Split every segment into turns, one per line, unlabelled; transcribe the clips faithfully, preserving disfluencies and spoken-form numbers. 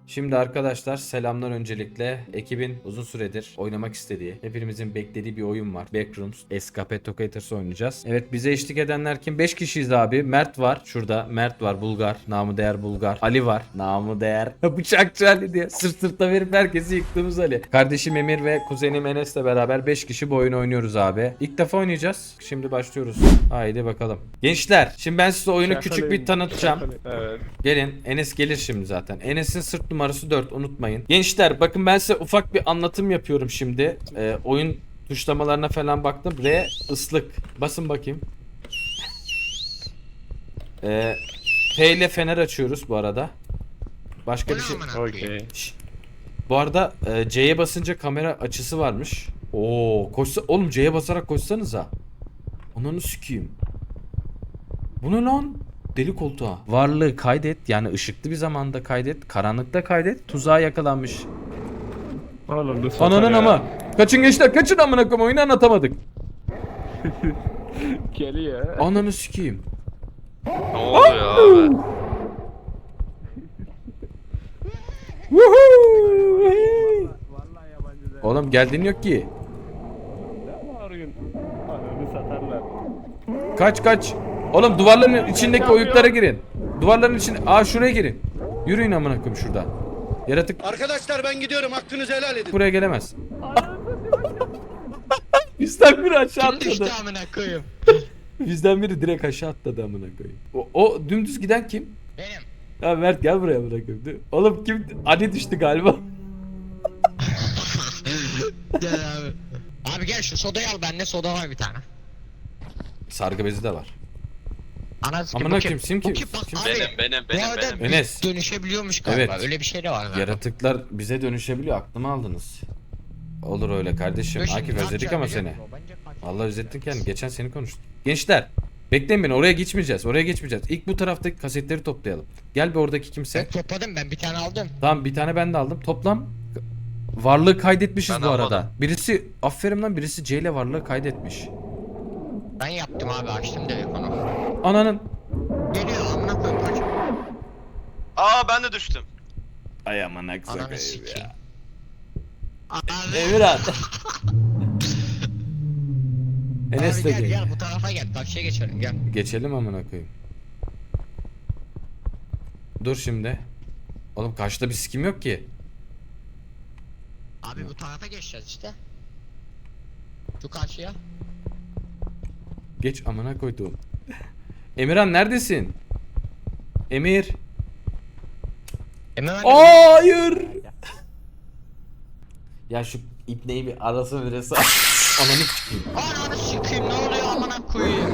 Şimdi arkadaşlar selamlar öncelikle. Ekibin uzun süredir oynamak istediği, hepimizin beklediği bir oyun var. Backrooms, Escape Tocators oynayacağız. Evet, bize eşlik edenler kim? beş kişiyiz abi. Mert var. Şurada Mert var, Bulgar. Namı değer Bulgar. Ali var. Namı değer Bıçakçı Ali diye. Sırt sırta verip herkesi yıktığımız Ali. Kardeşim Emir ve kuzenim Enes'le beraber beş kişi bu oyunu oynuyoruz abi. İlk defa oynayacağız. Şimdi başlıyoruz. Haydi bakalım. Gençler, şimdi ben size oyunu küçük bir tanıtacağım.
Evet.
Gelin, Enes gelir şimdi zaten. Enes'in sırt numarası dört, unutmayın. Gençler bakın, ben size ufak bir anlatım yapıyorum şimdi. Ee, oyun tuşlamalarına falan baktım. R ıslık. Basın bakayım. Ee, T ile fener açıyoruz bu arada. Başka bir şey.
Okey.
Şşş. Bu arada e, C'ye basınca kamera açısı varmış. Oo, koşsa oğlum, C'ye basarak koşsanıza. Ananı sikeyim. Bu ne lan? Deli koltuğa. Varlığı kaydet, yani ışıklı bir zamanda kaydet, karanlıkta kaydet, tuzağa yakalanmış.
Oğlum bu
Ananın ama. Kaçın gençler, kaçın amına koyayım, oyunu anlatamadık.
Geliyor.
Ananı sikeyim.
Ne oluyor abi?
Oğlum geldiğin yok ki.
Ne arıyorsun? Ananı satarlar.
Kaç kaç. Oğlum duvarların içindeki oyuklara girin. Duvarların içine. Aa, şuraya girin. Yürüyün amına koyayım şurada. Yaratık
Arkadaşlar ben gidiyorum, hakkınızı helal edin.
buraya gelemez. Bizden biri aşağı
Kim düştü
atladı.
amına koyayım?
Bizden biri direkt aşağı atladı amına koyayım. O, o dümdüz giden kim?
Benim.
Ya Mert gel buraya amına koyayım. Oğlum kim? Ali düştü galiba.
Gel abi. Abi gel şu sodayı al, bende soda var bir tane.
Sargı bezi de var.
Anası kim?
Amına
Bu kim?
koyayım, kim
Bu
kim?
kim? Bak
Kim?
abi.
Benim benim
Bu
benim
arada
benim.
biz
Enes.
dönüşebiliyormuş galiba.
Evet.
Öyle bir şey de var galiba.
Yaratıklar bize dönüşebiliyor. Aklımı aldınız. Olur öyle kardeşim.
Dur şimdi
Akif
ne
özledik
yapacağım
ama
biliyor
seni.
musun? Bence kaç-
Allah özlettin kendini. Geçen seni konuştuk. Gençler, bekleyin beni. Oraya geçmeyeceğiz. Oraya geçmeyeceğiz. İlk bu taraftaki kasetleri toplayalım. Gel bir, oradaki kimse.
Ben topladım, ben bir tane aldım.
Tamam, bir tane ben de aldım. Toplam varlığı kaydetmişiz
Ben
bu arada.
almadım.
Birisi aferin lan, birisi C ile varlığı kaydetmiş.
Ben yaptım abi, açtım direkt onu.
Ananın.
Geliyor amına koyayım, kaç.
Aa ben de düştüm.
Ay aman
Ananı
aksak
sikeyim. Abi.
Emirhan. Enes
Abi
de
gel
gel.
gel bu tarafa gel, karşıya geçelim gel.
Geçelim amına koyayım. Dur şimdi. Oğlum karşıda bir sikim yok ki.
Abi bu tarafa geçeceğiz işte. Şu karşıya.
Geç amına koyduğum. Emirhan neredesin? Emir.
Hemen ben
Hayır. Ya şu ipneyi bir arası birisi. Ananı sikeyim.
Ananı sikeyim, ne oluyor amına koyayım?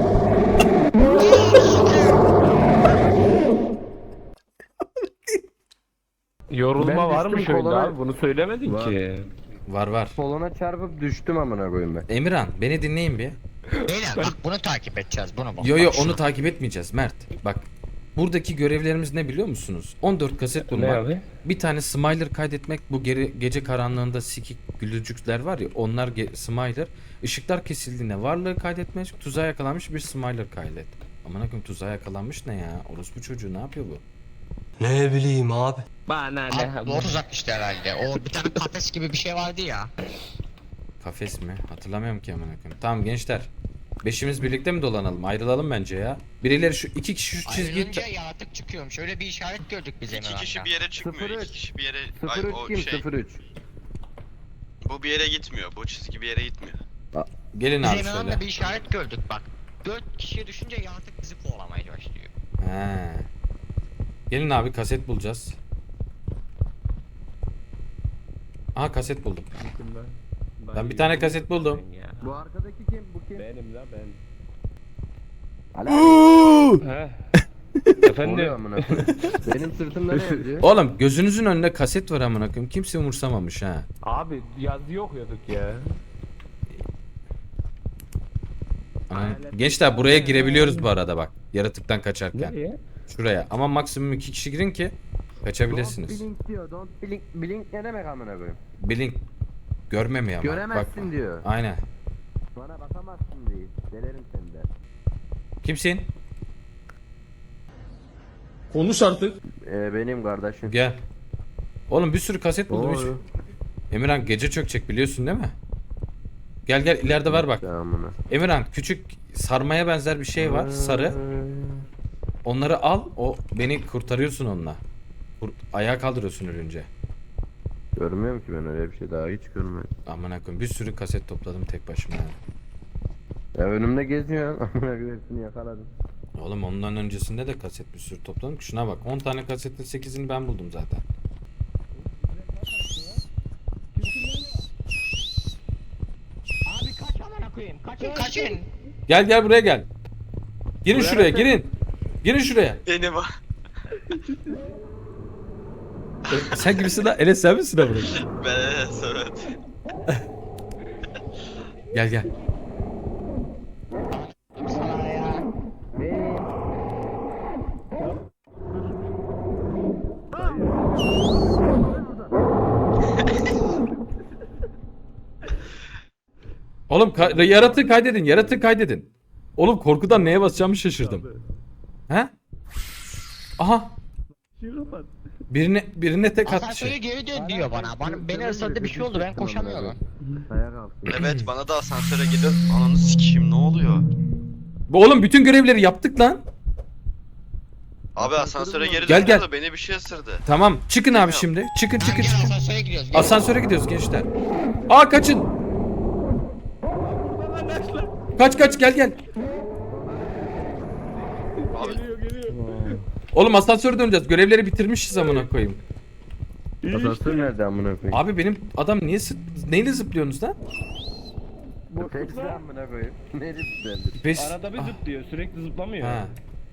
Yorulma
Ben
var mı
düştüm,
şöyle
kolona-
abi? Bunu söylemedin
Var.
ki.
Var var.
Kolona çarpıp düştüm amına koyayım ben.
Emirhan beni dinleyin bir.
Beyler bak, bunu takip edeceğiz, bunu bak.
Yo yo,
Bak şunu.
onu takip etmeyeceğiz Mert. Bak. Buradaki görevlerimiz ne biliyor musunuz? on dört kaset
Ne
bulmak.
abi?
Bir tane smiler kaydetmek. Bu geri, gece karanlığında sikik gülücükler var ya, onlar ge- smiler. Işıklar kesildiğinde varlığı kaydetmek. Tuzağa yakalanmış bir smiler kaydet. Aman akım, tuzağa yakalanmış ne ya? Orospu çocuğu ne yapıyor bu?
Ne bileyim abi.
Bana ne?
Abi doğru uzakmıştı herhalde. O bir tane kafes gibi bir şey vardı ya.
Kafes mi? Hatırlamıyorum ki aman akım. Tamam gençler. Beşimiz birlikte mi dolanalım? Ayrılalım bence ya. Birileri şu iki kişi şu çizgiyi...
Ayrılınca yaratık çıkıyormuş. Öyle bir işaret gördük biz
İki
Emirhan'da.
kişi bir yere çıkmıyor.
Sıfır
İki
üç.
kişi bir yere. Ay
sıfır üç
o
kim?
şey.
sıfır üç.
Bu bir yere gitmiyor. Bu çizgi bir yere gitmiyor.
Gelin
Biz
abi
Emirhan'da
şöyle.
bir işaret gördük bak. Dört kişiye düşünce yaratık bizi kovalamaya başlıyor.
He. Gelin abi, kaset bulacağız. Aha, kaset buldum. Ben bir tane kaset buldum.
Bu arkadaki kim? Bu kim?
Benim la ben.
Ala.
He.
Oluyor
Efendim.
amına koyayım. Benim sırtımda ne yazıyor?
Oğlum gözünüzün önünde kaset var amına koyayım. Kimse umursamamış ha.
Abi yazı okuyorduk ya.
Ana- Gençler buraya girebiliyoruz bu arada bak. Yaratıktan kaçarken.
Nereye?
Şuraya. Ama maksimum iki kişi girin ki kaçabilirsiniz.
Don't blink diyor. Don't blink. Blink ne demek amına koyayım?
Blink. Görmemiyor ama.
Göremezsin
Bakma.
diyor.
Aynen.
Bana bakamazsın değil. Delerim seni de.
Kimsin?
Ee, benim kardeşim.
Gel. Oğlum bir sürü kaset buldum hiç.
Doğru.
Emirhan gece çökecek biliyorsun değil mi? Gel gel ileride var bak.
Tamamına.
Emirhan küçük sarmaya benzer bir şey var sarı. Onları al o beni kurtarıyorsun onunla. Kur- ayağa kaldırıyorsun ölünce.
Görmüyorum ki ben öyle bir şey daha hiç görmedim.
Amına koyayım bir sürü kaset topladım tek başıma. yani.
Ya önümde geziyor. Amına koyayım hepsini yakaladım.
Oğlum ondan öncesinde de kaset bir sürü topladım. Şuna bak on tane kasetin sekizini ben buldum zaten.
Abi kaç amına koyayım. Kaçın kaçın.
Gel gel buraya gel. Girin şuraya girin. Girin şuraya.
Benim o.
E, sen gibisin lan. Enes sen misin lan buraya?
Ben evet.
Gel gel.
Sana ya.
Oğlum ka- yaratığı kaydedin yaratığı kaydedin. Oğlum korkudan neye basacağımı şaşırdım. He? Aha. Birine birine tek attı
Asansöre
şey.
geri dön diyor bana. Bana beni ısırdı bir şey oldu ben koşamıyorum.
Ayak altı.
Evet bana da asansöre gidip ananı sikeyim ne oluyor?
Bu oğlum bütün görevleri yaptık lan.
Abi asansöre geri
Gel,
döndüm
gel.
da beni bir şey ısırdı.
Tamam çıkın abi şimdi. Çıkın çıkın
Gel
çıkın.
asansöre gidiyoruz. Gel.
Asansöre gidiyoruz gençler. Aa kaçın. Kaç kaç gel gel.
Abi
Oğlum asansöre döneceğiz. Görevleri bitirmişiz amına koyayım.
Asansör nerede amına koyayım?
Abi benim adam niye sı- neyle zıplıyorsunuz lan?
Tepsi amına koyayım. Nerede düzeldi?
Beş...
Arada bir
Ah,
zıplıyor, sürekli zıplamıyor.
ha.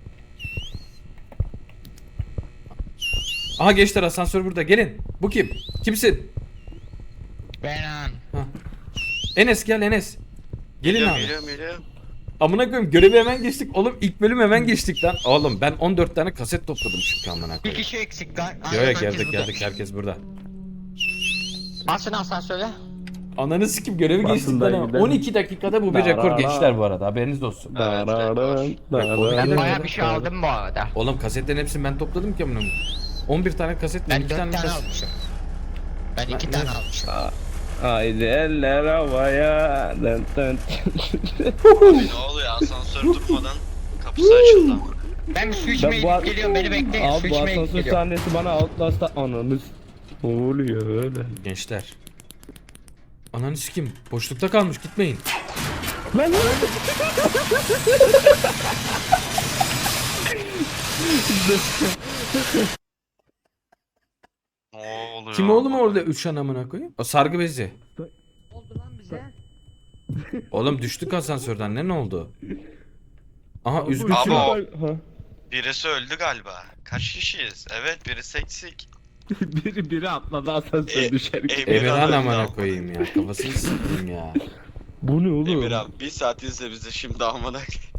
Aha gençler asansör burada gelin. Bu kim? Kimsin?
Ben an.
Enes gel Enes. Gelin
geliyorum
abi.
geliyorum geliyorum.
Amına koyayım görevi hemen geçtik. Oğlum ilk bölüm hemen geçtik lan. Oğlum ben on dört tane kaset topladım çünkü amına
Bir
koyayım.
kişi eksik. Gal-
Yok
Aynen,
yok
herkes
geldik
burada.
geldik herkes burada.
Al seni asansöre.
Ananı sikim görevi
Basın
geçtik
da
lan. ama.
gidelim.
on iki dakikada bu bir rekor gençler bu arada haberiniz olsun.
Evet, rekor.
Ben bayağı bir şey aldım bu arada.
Oğlum kasetlerin hepsini ben topladım ki amına koyayım. on bir tane kaset var,
Ben
iki
dört
tane
tane
kaset.
almışım. Ben iki tane almışım.
Haydi eller havaya. Dın dın.
Abi ne oluyor asansör durmadan kapısı açıldı ama.
Ben bir su
Ben
içmeye
bu
gidip
ar-
geliyorum beni bekleyin. Su
Abi bu
içmeye gidip
asansör
geliyorum.
sahnesi bana Outlast'ta ananız. Ne oluyor öyle?
Gençler. Ananı sikim boşlukta kalmış gitmeyin.
Lan
Ne oluyor?
Kim oğlum orada üç an amına koyayım? O sargı bezi.
oldu lan bize?
Oğlum düştük asansörden ne ne oldu? Aha üzgün
Abi
kim?
o-
Ha.
Birisi öldü galiba. Kaç kişiyiz? Evet birisi eksik.
biri biri atladı asansör
E-
düşerken.
Emirhan
Emirhan
öldü
amına
ama.
koyayım ya kafasını sıktım ya.
Bu ne oğlum?
Emir abi bir saat izle bizi şimdi amına.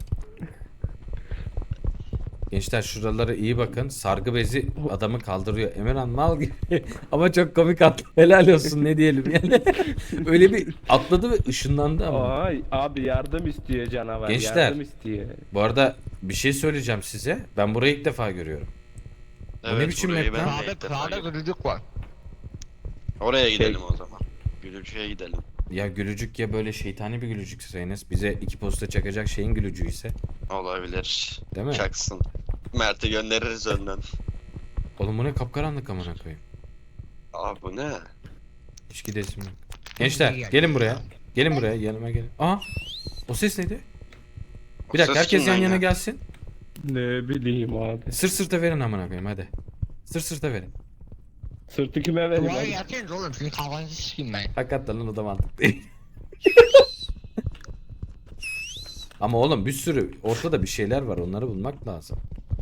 Gençler şuralara iyi bakın. Sargı bezi adamı kaldırıyor. Emirhan mal gibi. Ama çok komik atladı. Helal olsun ne diyelim yani. Öyle bir atladı ve ışınlandı ama.
Ay abi yardım istiyor canavar.
Gençler.
Yardım istiyor.
Bu arada bir şey söyleyeceğim size. Ben burayı ilk defa görüyorum. Bu ne biçim
burayı
map
ben
lan?
de
Sağda
ilk defa
sağda
görüyorum.
gırıcık var.
Oraya
Şey-
gidelim o zaman. Gülücüye gidelim.
Ya gülücük ya böyle şeytani bir gülücükse Enes bize iki posta çakacak şeyin gülücüğü ise.
Olabilir.
Değil mi?
Çaksın. Mert'i göndeririz önden.
Oğlum bu ne kapkaranlık amına koyayım.
Abi bu ne?
Hiç gidesim yok. Gençler gelin buraya. Gelin buraya yanıma gelin. Aa o ses neydi? Bir
O
dakika
ses
herkes yan
kimden
yana
ya?
gelsin.
Ne bileyim abi.
Sırt sırta verin amına koyayım hadi. Sırt sırta verin.
Sırtı kime vereyim
Duvara
abi?
yatıyorsunuz oğlum. Çünkü kafanızı sikeyim ben.
Hakikaten lan o da mantıklı değil. Ama oğlum bir sürü ortada bir şeyler var onları bulmak lazım.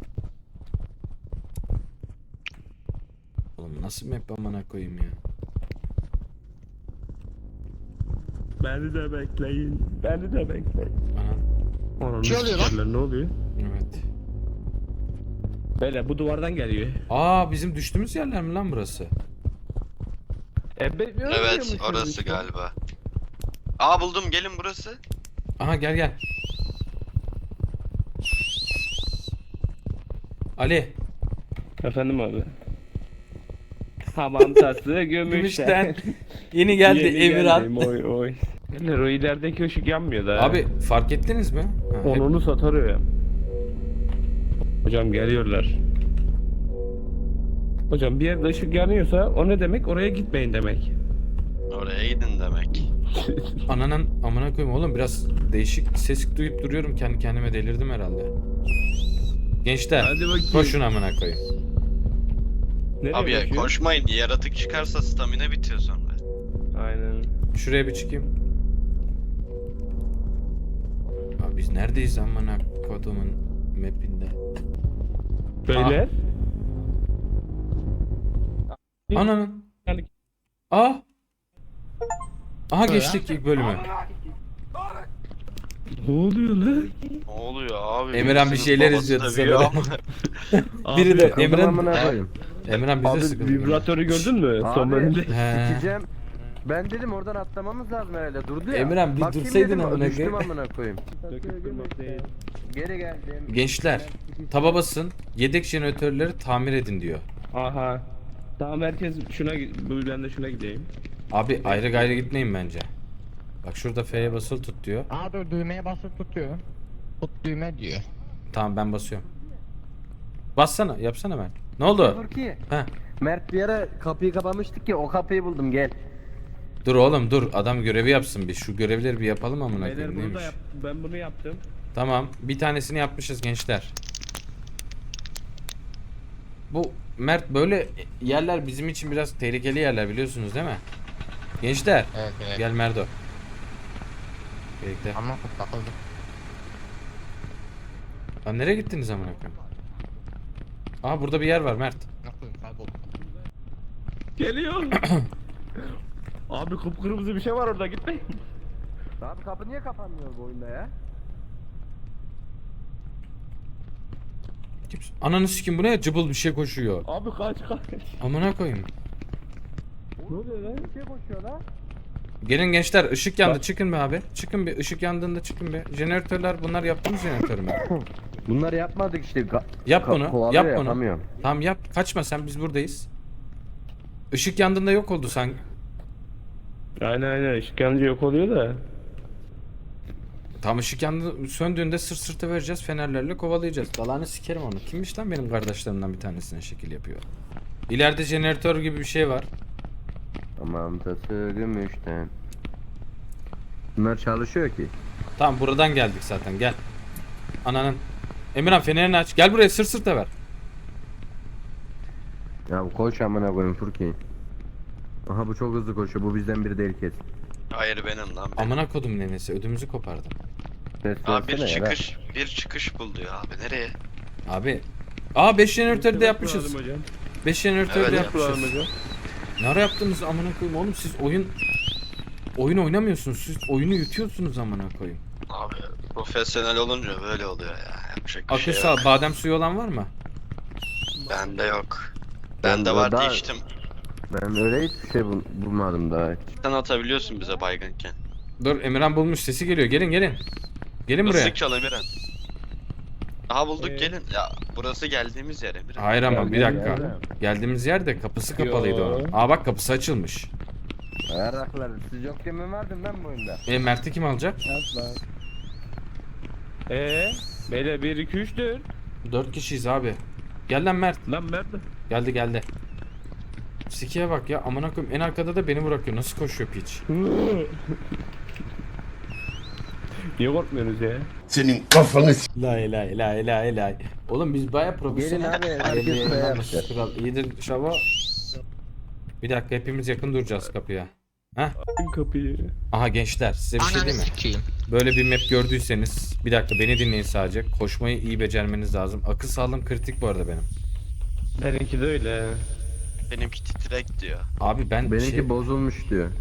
Oğlum nasıl map amına koyayım ya.
Beni de bekleyin. Beni de bekleyin.
Ana
Ananı
Şey oluyor lan.
sikerler, ne oluyor?
evet.
Böyle bu duvardan geliyor.
Aa bizim düştüğümüz yerler mi lan burası?
E, be- ne
Evet
oluyormuş
orası
işte?
galiba. Aa buldum gelin burası.
Aha gel gel. Ali.
Efendim abi. Hamam tası
Gümüşten.
gümüşten.
Yeni geldi
Yeni
Emirhan.
geldim, Oy oy. Beyler o ilerideki ışık yanmıyor da.
Abi fark ettiniz mi? Ha, hep-
Onunu satarıyor ya. Hocam geliyorlar. Hocam bir yerde ışık yanıyorsa o ne demek? Oraya gitmeyin demek.
Oraya gidin demek.
Ananın amına koyayım oğlum, biraz değişik ses duyup duruyorum, kendi kendime delirdim herhalde. Gençler
Hadi bakayım.
koşun amına koyayım.
Nereye
Abi ya
koşuyor?
koşmayın, yaratık çıkarsa stamina bitiyor sonra.
Aynen.
Şuraya bir çıkayım. Abi biz neredeyiz amına kodumun mapinde?
Beyler.
Ananın.
Yani-
Aa. Aha geçtik ilk bölümü.
Ne oluyor lan?
Ne oluyor abi?
Emirhan bir
Birisinin
şeyler
babası
izliyordu
dövüyor
sanırım.
ama.
Biri de
Abi,
Emre'nin
amına koyayım.
Emre'nin bize
Abi
sıkıldı.
vibratörü gördün mü? Son
Abi.
bölümde.
He.
Sikeceğim. Ben dedim oradan atlamamız lazım herhalde. Durdu ya.
Emirhan, bir
Bakayım
dursaydın
dedim,
amına
düştüm
koyayım.
amına koyayım. Geri geldim.
Gençler taba basın, yedek jeneratörleri tamir edin diyor.
Aha. Tamam herkes şuna gi- bu ben de şuna gideyim.
Abi ayrı gayrı gitmeyin bence. Bak şurada F'ye basılı tut diyor.
Aa dur düğmeye basıp tutuyor. Tut düğme diyor.
Tamam ben basıyorum. Bassana, yapsana ben. Ne oldu?
Dur ki.
Heh.
Mert bir ara kapıyı kapamıştık ki o kapıyı buldum gel.
Dur oğlum dur, adam görevi yapsın, biz şu görevleri bir yapalım amına
Beyler
koyayım,
bunu da
neymiş?
yap. Ben bunu yaptım.
Tamam, bir tanesini yapmışız gençler. Bu Mert, böyle yerler bizim için biraz tehlikeli yerler, biliyorsunuz değil mi? Gençler
Evet evet.
gel Merdo. Birlikte.
Ama takıldım.
Lan nereye gittiniz amına koyayım? Aa burada bir yer var Mert.
Ne koyayım kayboldum.
Geliyor. Abi kıpkırmızı bir şey var orada gitmeyin.
Abi kapı niye kapanmıyor bu oyunda ya?
Kimse- Ananı sikim, bu ne? Cıbıl bir şey koşuyor.
Abi kaç kaç.
Amına koyayım.
Ne oluyor lan?
Bir şey koşuyor lan.
Gelin gençler, ışık yandı,
Bak.
çıkın be abi. Çıkın bir, ışık yandığında çıkın be. Jeneratörler, bunlar yaptığımız jeneratör mü?
Bunları yapmadık işte. Ga-
Yap
ka-
bunu,
kovalıyor
yap
ya,
bunu.
yapamıyorum.
Tamam yap, kaçma sen, biz buradayız. Işık yandığında yok oldu sen.
Aynen aynen ışık yanınca yok oluyor da.
Tam ışık yandı, söndüğünde sırt sırta vereceğiz, fenerlerle kovalayacağız. Dalağını sikerim onu. Kimmiş lan benim kardeşlerimden bir tanesine şekil yapıyor. İleride jeneratör gibi bir şey var.
Tamam tası gümüşten. Bunlar çalışıyor ki.
Tamam buradan geldik zaten, gel. Ananın. Emirhan fenerini aç. Gel buraya, sırt sırta ver.
Ya bu koş amına koyayım Furki. Aha bu çok hızlı koşuyor. Bu bizden biri değil kes.
Hayır benim lan. Benim.
Amına kodum nenesi, ödümüzü kopardım.
Ses
Abi bir
versene ya, ver.
çıkış, bir çıkış buldu ya abi. Nereye?
Abi. Aa beş jeneratörü de yapmışız.
Kuralım hocam.
beş jeneratörü de
Evet,
yapmışız.
Kuralım hocam.
Ne ara yaptınız amına koyayım oğlum, siz oyun oyun oynamıyorsunuz, siz oyunu yutuyorsunuz amına koyayım.
Abi profesyonel olunca böyle oluyor ya. Yapacak bir
Akıl
şey
sağ,
yok.
badem suyu olan var mı?
Bende yok.
Ben
Bende
de
vardı
daha-
içtim.
Ben öyle hiçbir şey bul- bulmadım daha.
Sen atabiliyorsun bize baygınken.
Dur, Emirhan bulmuş, sesi geliyor, gelin gelin. Gelin buraya.
Hızlı çal Emirhan. Aha bulduk
Ee?
gelin. Ya burası geldiğimiz yer Emirhan.
Hayır ama bir
Gel,
dakika.
gel.
Geldiğimiz yerde kapısı kapalıydı
Yo.
onun. Aa bak, kapısı açılmış.
Ayarraklar siz yokken mi vardım ben bu oyunda?
E Mert'i kim alacak?
Eee? Beyler bir iki üç dört.
Dört kişiyiz abi. Gel lan Mert.
Lan nerede?
Geldi geldi. Sikiye bak ya, amına koyayım, en arkada da beni bırakıyor. Nasıl koşuyor piç?
Niye korkmuyorsunuz ya?
Senin kafanı s-
Lay lay lay lay lay. Oğlum biz baya profesyonel.
Gelin abi, herkes
Elli
buraya
yanlış
yapacak.
kral. İyidir şava. Bir dakika, hepimiz yakın duracağız kapıya. Heh.
Açın kapıyı.
Aha gençler, size bir şey
Ananı
diyeyim mi?
sikeyim.
Böyle bir map gördüyseniz, bir dakika beni dinleyin sadece. Koşmayı iyi becermeniz lazım. Akıl sağlığım kritik bu arada benim.
Benimki de öyle.
Benimki titrek diyor.
Abi ben
Benimki
şey,
bozulmuş diyor.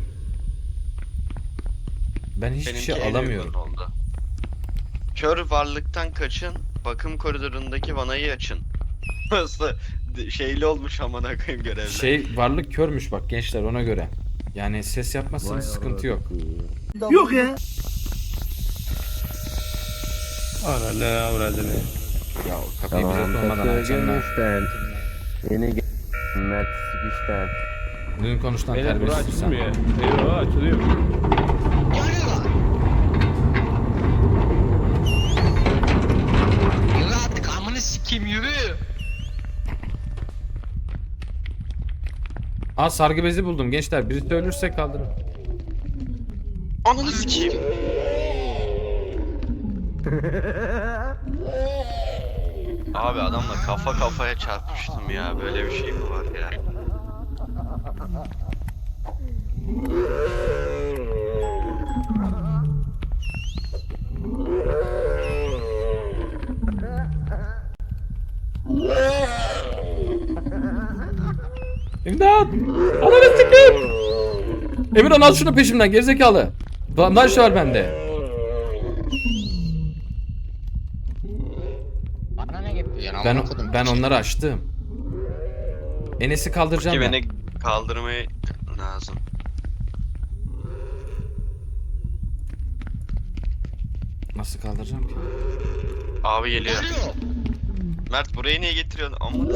ben hiçbir
Benimki
şey
en
alamıyorum.
uygun oldu. Kör varlıktan kaçın. Bakım koridorundaki vanayı açın. Nasıl şeyli olmuş amına koyayım görevler.
Şey, varlık körmüş bak gençler, ona göre. Yani ses yapmazsanız
Vay
sıkıntı yok.
Yok.
Ana ne avradını.
Ya kapıyı
Tamam
bize sormadan
tası
açanlar.
gümüşten. Yeni gel. Mert sikişten.
Dün konuştan
Beyler bura
terbiyesiz sen.
açılmıyor. Eyvah açılıyor.
Geliyorlar. Yürü artık amını sikeyim yürü.
Aa sargı bezi buldum gençler. Birisi ölürse kaldırın.
Ananı sikeyim. Abi adamla kafa kafaya çarpmıştım ya. Böyle bir şey mi var ya?
İmdat! Ananı sikeyim! Emirhan al şunu peşimden gerizekalı. Bandaj var bende.
Bana ne getiriyorsun?
Ben
amına kodum?
ben onları açtım. Enes'i kaldıracağım
Ki
ben.
beni kaldırmayı lazım.
Nasıl kaldıracağım ki?
Abi geliyor.
Geliyor.
Mert burayı niye getiriyorsun? Amma.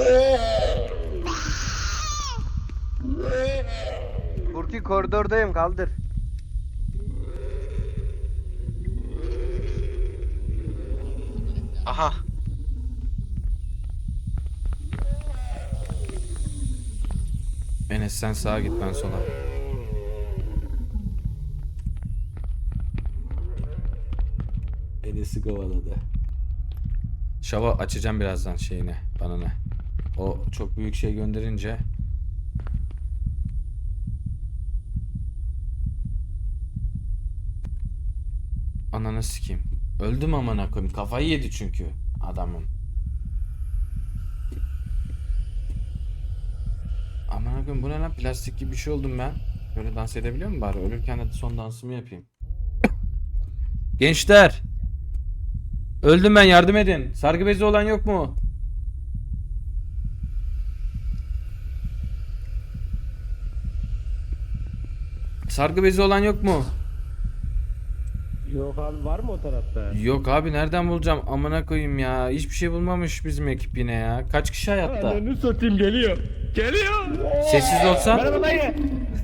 Furki koridordayım kaldır.
Aha.
Enes sen sağa git ben sola. Enes'i kovaladı. Şava açacağım birazdan şeyine, bana ne. O çok büyük şey gönderince ananı sikeyim. Öldüm amına koyayım. Kafayı yedi çünkü adamın. Amına koyayım bu ne lan? Plastik gibi bir şey oldum ben. Böyle dans edebiliyor muyum bari? Ölürken de son dansımı yapayım. Gençler! Öldüm ben, yardım edin. Sargı bezi olan yok mu? Sargı bezi olan yok mu?
Yok abi var mı o tarafta?
Yok abi nereden bulacağım? Amına koyayım ya. Hiçbir şey bulmamış bizim ekip yine ya. Kaç kişi hayatta?
Ananı satayım geliyor. Geliyor.
Sessiz olsan.
Merhaba dayı.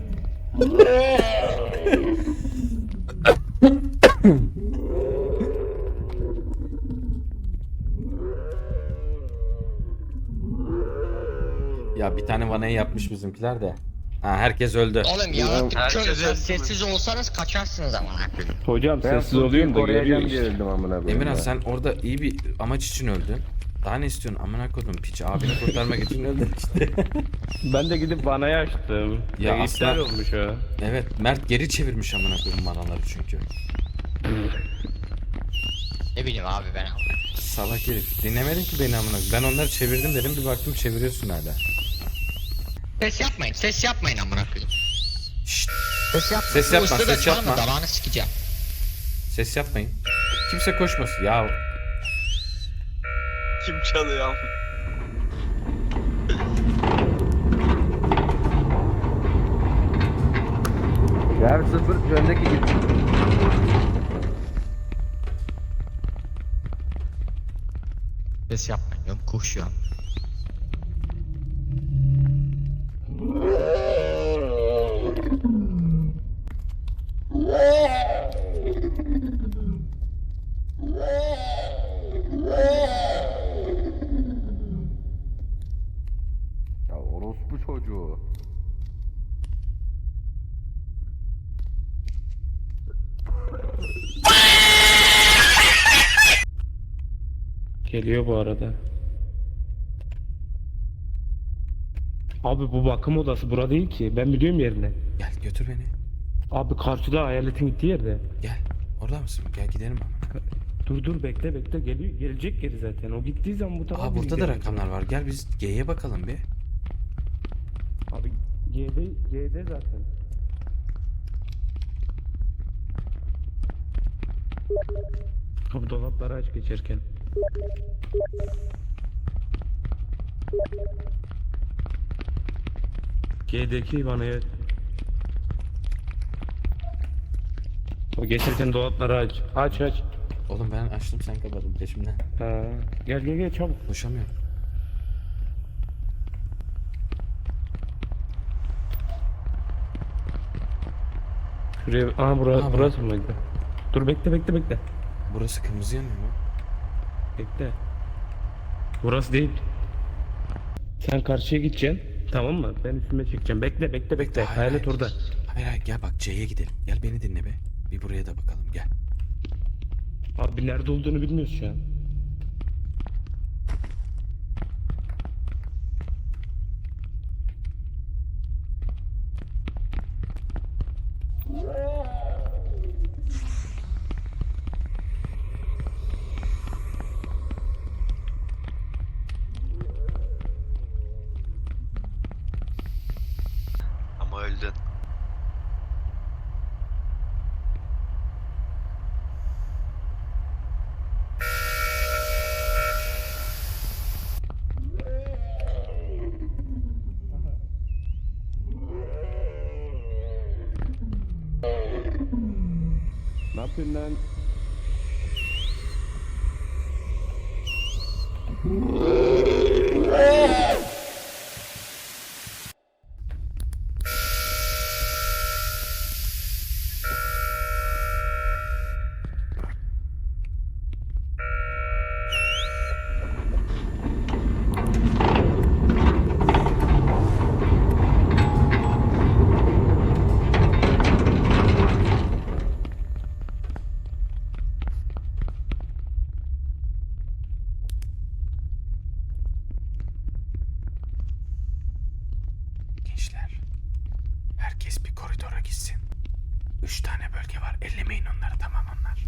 Ya bir tane vanayı yapmış bizimkiler de. Ha herkes öldü.
Oğlum yaratık
Herkes
körüz lan.
öldü mü?
Sessiz olsanız kaçarsınız amına koyayım.
Hocam
Ben
sessiz oluyorum da geliyor
koruyacağım diye
işte.
öldüm amına koyayım.
Emirhan
ya.
sen orada iyi bir amaç için öldün. Daha ne istiyorsun? Amına koydum piç abini kurtarmak için öldün işte.
Ben de gidip vanayı açtım.
Ya
Ya
aslan-
iptal olmuş o.
Evet Mert geri çevirmiş amına koyayım vanaları çünkü.
Ne bileyim abi ben.
Salak herif. Dinlemedin ki beni amına koyayım. Ben onları çevirdim dedim bir baktım çeviriyorsun hala.
Ses yapmayın, ses yapmayın amına koyayım.
Şşt
Ses yapmayın.
Ses yapma,
Bu ıslığı da
ses
çalma,
yapma.
Dalağını sikeceğim.
ses yapmayın. Kimse koşmasın ya.
Kim çalıyor ama?
Ya sıfır öndeki git.
Ses yapmayın diyorum, koşuyorum.
Ya orospu çocuğu.
Geliyor bu arada. Abi bu bakım odası bura değil ki. Ben biliyorum yerini.
Gel götür beni.
Abi karşıda hayaletin gittiği yerde.
Gel. Orada mısın? Gel gidelim ama.
Dur dur bekle bekle geliyor. Gelecek geri zaten. O gittiği zaman bu tarafa
Aa
biz
burada da
geleceğiz.
rakamlar var. Gel biz G'ye bakalım bir.
Abi G'de G'de zaten. Abi dolapları aç geçerken. G'deki bana evet. O geçerken dolapları aç. Aç aç.
Oğlum ben açtım sen kapadın peşimden.
Ha, gel gel gel çabuk.
Koşamıyorum.
Şuraya, aha bura,
Aha,
burası mıydı? Dur bekle bekle bekle.
Burası kırmızı yanıyor mu?
Bekle. Burası değil. Sen karşıya gideceksin. Tamam mı? Ben üstüme çekeceğim. Bekle bekle bekle.
Hayır,
Hayalet
hayır.
orada.
Hayır hayır gel bak C'ye gidelim. Gel beni dinle be. Bir buraya da bakalım gel.
Abi nerede olduğunu bilmiyoruz şu an.
Ama öldün.
Ne yapıyorsun lan?
Gençler. Herkes bir koridora gitsin. Üç tane bölge var. Ellemeyin onları tamam onlar.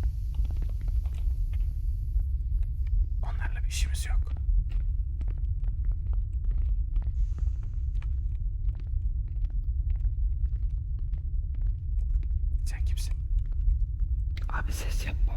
Onlarla bir işimiz yok. Sen kimsin?
Abi ses yapma.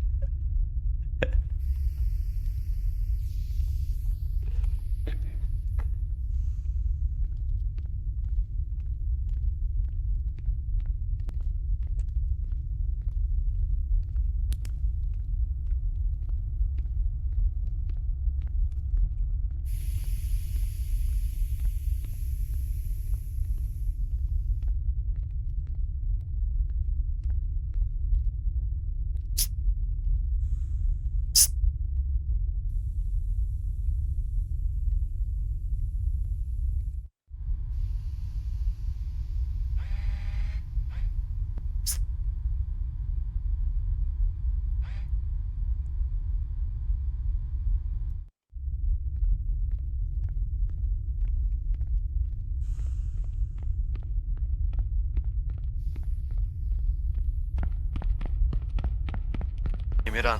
Emirhan.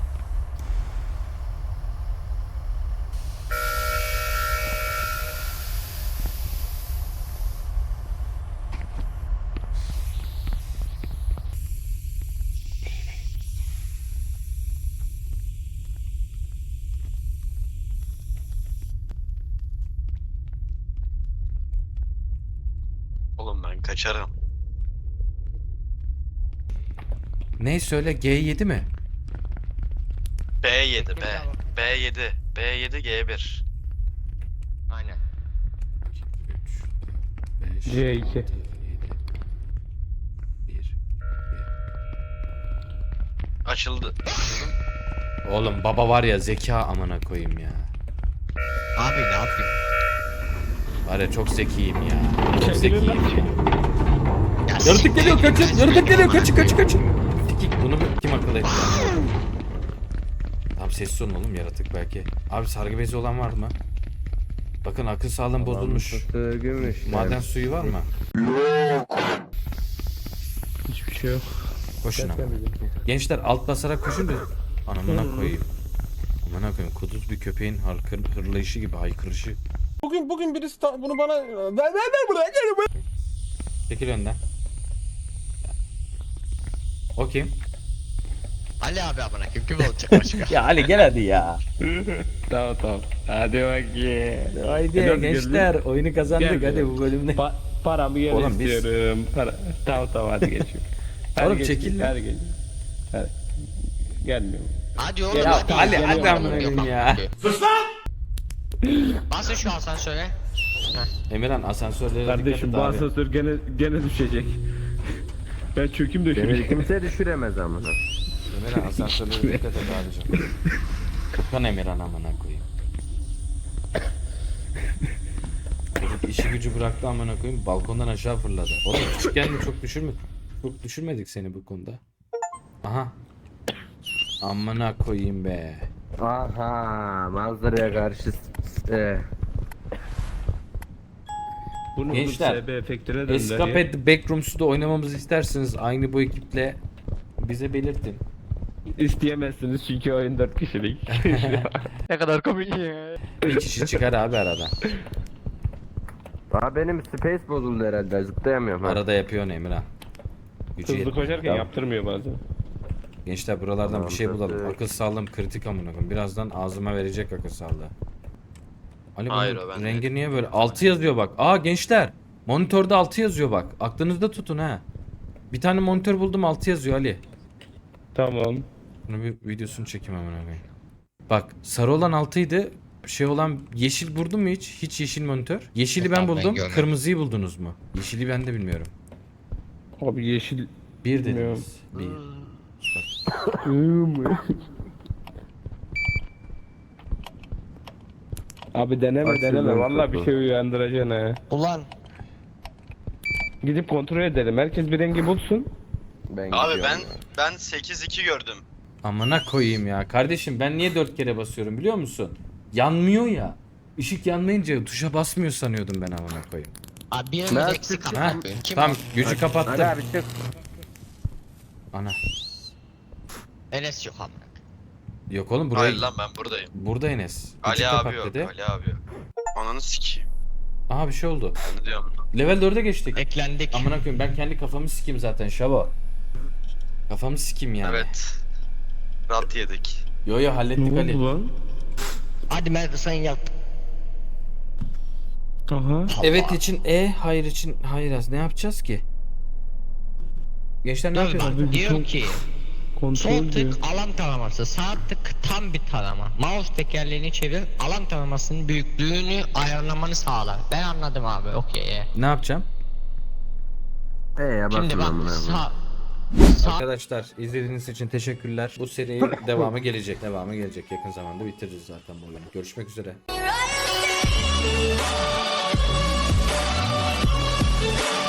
Oğlum ben kaçarım.
Ne söyle G yedi mi?
B yedi B. B yedi. B yedi G bir.
Aynen.
üç, beş,
C iki.
altı, yedi, bir.
Açıldı. Açıldı.
Oğlum baba var ya zeka amına koyayım ya.
Abi ne yapayım?
Var ya çok zekiyim ya. Çok
Çekilin
zekiyim.
lan.
Ya
Yaratık
siktir
geliyor
git,
kaçın.
ben
Yaratık
seni
geliyor
amına
kaçın kaçın
koyayım.
kaçın. Sikik bunu kim akıl etti? Tamam sessiz olun oğlum yaratık belki. Abi sargı bezi olan var mı? Bakın akıl sağlığım bozulmuş.
Gümüş.
Maden suyu var mı?
Hiçbir şey yok.
Koşun ama.
Gel, gel, gel.
Gençler alt basarak koşun da anamına koyayım. Amına koyayım kuduz bir köpeğin harkır, hırlayışı gibi haykırışı.
Bugün bugün birisi ta- bunu bana ver ver ver buraya gel.
Çekil önden. O kim?
Ali abi amına koyayım kim olacak başka?
Ya Ali gel hadi ya.
Tamam tamam. Hadi bakayım.
Haydi
Nasıl
gençler oyunu kazandık
Gel,
hadi
gel.
bu bölümde.
Pa paramı geri
Oğlum biz-
istiyorum. Para... Tamam tamam hadi geçiyorum. Hadi
Oğlum
geç,
çekil lan.
Hadi geç. Hadi. Gelmiyorum.
Hadi oğlum
Ya
hadi.
Ali,
ya.
hadi amına koyayım ya.
Basın şu asansöre.
Emirhan asansörlere
Kardeşim bu
dikkat et abi.
asansör gene gene düşecek. Ben çökeyim de
Beni
şuraya.
kimse düşüremez amına.
Emirhan asansörlere dikkat et abicim. Furkan Emirhan amına koyayım. Çocuk işi gücü bıraktı amına koyayım, balkondan aşağı fırladı. Oğlum küçükken mi çok düşürme çok düşürmedik seni bu konuda. Aha. Amına koyayım be.
Aha manzaraya karşı e,
Bunu
Gençler,
S B efektine döndür ya.
Escape the Backrooms'u da oynamamızı isterseniz aynı bu ekiple bize belirtin.
İsteyemezsiniz çünkü oyun dört kişilik.
Ne kadar komik ya.
Bir kişi çıkar abi arada.
Aa benim space bozuldu herhalde zıplayamıyorum ha.
Arada yapıyor Emirhan. Gücü
Hızlı
yetmiyor.
koşarken
Tamam.
yaptırmıyor bazen.
Gençler buralardan
Tamam,
bir şey bulalım.
kötü.
Akıl sağlığım kritik amına koyayım. Birazdan ağzıma verecek akıl sağlığı. Ali
Hayır,
bunun
o bende.
rengi niye böyle? altı yazıyor bak. Aa gençler. Monitörde altı yazıyor bak. Aklınızda tutun ha. Bir tane monitör buldum, altı yazıyor Ali.
Tamam.
Bunu bir videosunu çekeyim amına koyayım. Bak sarı olan altıydı. Şey olan yeşil buldun mu hiç? Hiç yeşil monitör. Yeşili ben
Yok abi, ben
buldum.
görmedim.
Kırmızıyı buldunuz mu? Yeşili ben de bilmiyorum.
Abi yeşil.
Bir
Bilmiyorum.
dediniz. Bir.
Abi deneme
Açıldı
deneme. Vallahi
kapı.
bir şey uyandıracaksın ha.
Ulan
Gidip kontrol edelim. Herkes bir rengi bulsun.
Ben
Abi
gidiyorum
ben
ya.
ben sekiz iki gördüm.
Amına koyayım ya. Kardeşim ben niye dört kere basıyorum biliyor musun? Yanmıyor ya. Işık yanmayınca tuşa basmıyor sanıyordum ben amına koyayım.
abi birimiz
Ben-
eksik
Ha?
amına koyayım. Kim
Tamam
o?
gücü
Ali
kapattım.
abi çık.
Ana.
Enes yok amına koyayım.
Yok oğlum buraya.
Hayır lan ben buradayım.
Burada Enes. Gücü
Ali
kapat
abi yok.
dedi.
Ali abi yok. Ananı sikeyim.
Aha bir şey oldu.
Ben de diyorum.
Level dörde geçtik.
Eklendik.
Amına koyayım ben kendi kafamı sikeyim zaten Şabo. Kafamı sikeyim yani.
Evet. Rat yedik.
Yo yo hallettik
Ne
Ali.
oldu lan?
Hadi Merve sen yap.
Aha.
Evet için E, hayır için hayır az. Ne yapacağız ki? Gençler ne
Dur
yapıyorsunuz?
bak
Abi,
diyor
bu
ki sol
Kontrol diyor.
tık alan taraması, sağ tık tam bir tarama. Mouse tekerleğini çevir, alan taramasının büyüklüğünü ayarlamanı sağlar. Ben anladım abi, okey.
Ne yapacağım?
Ee ya
Şimdi
basın
bak
amına.
sağ sağ
Arkadaşlar izlediğiniz için teşekkürler. Bu serinin devamı gelecek. Devamı gelecek. Yakın zamanda bitiririz zaten bu oyunu. Görüşmek üzere.
Right